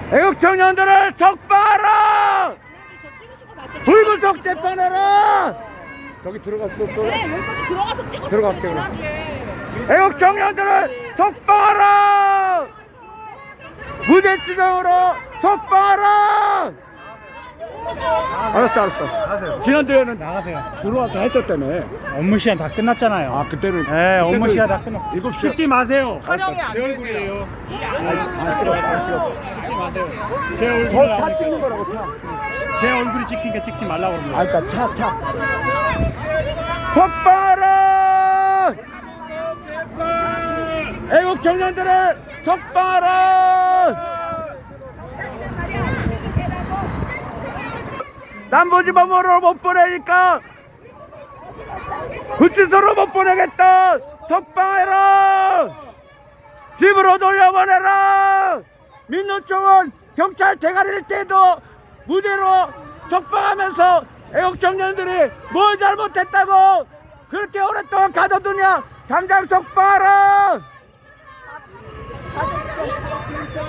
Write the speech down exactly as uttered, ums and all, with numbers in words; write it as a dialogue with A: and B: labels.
A: 애국 청년들을 적발하라! 불구속 재판하라! 저기 들어갔어 또.
B: 네, 여기까지 들어가서 찍었어요.
A: 들어갈게, 그럼.
B: 지난주에.
A: 애국 청년들을 적발하라! 무대지정으로 적발하라! 알았어 알았어.
C: 나가세요.
A: 지난주에는
C: 나가세요.
A: 들어와서 했었다며.
C: 업무 시간 다 끝났잖아요.
A: 아 그때는
C: 네, 업무 시간 다 끝났.
A: 일곱 시
C: 찍지 마세요.
B: 촬영이 안
C: 제
B: 되세요.
C: 얼굴이에요.
A: 아 찍어 아 찍어.
C: 찍지 마세요. 제 얼굴.
A: 저차 찍는 거라고 차.
C: 제 얼굴이 찍히니까 찍지 말라고 그러는
A: 아
C: 거예요.
A: 그니까 차 차. 적발하라! 애국 청년들을 적발하라! 남부지방으로 못 보내니까 구치소로 못 보내겠다. 적발해라. 집으로 돌려보내라. 민노총은 경찰 대가리를 떼도 무대로 적방하면서 애국 청년들이 뭘 잘못했다고 그렇게 오랫동안 가둬두냐. 당장 적발하라.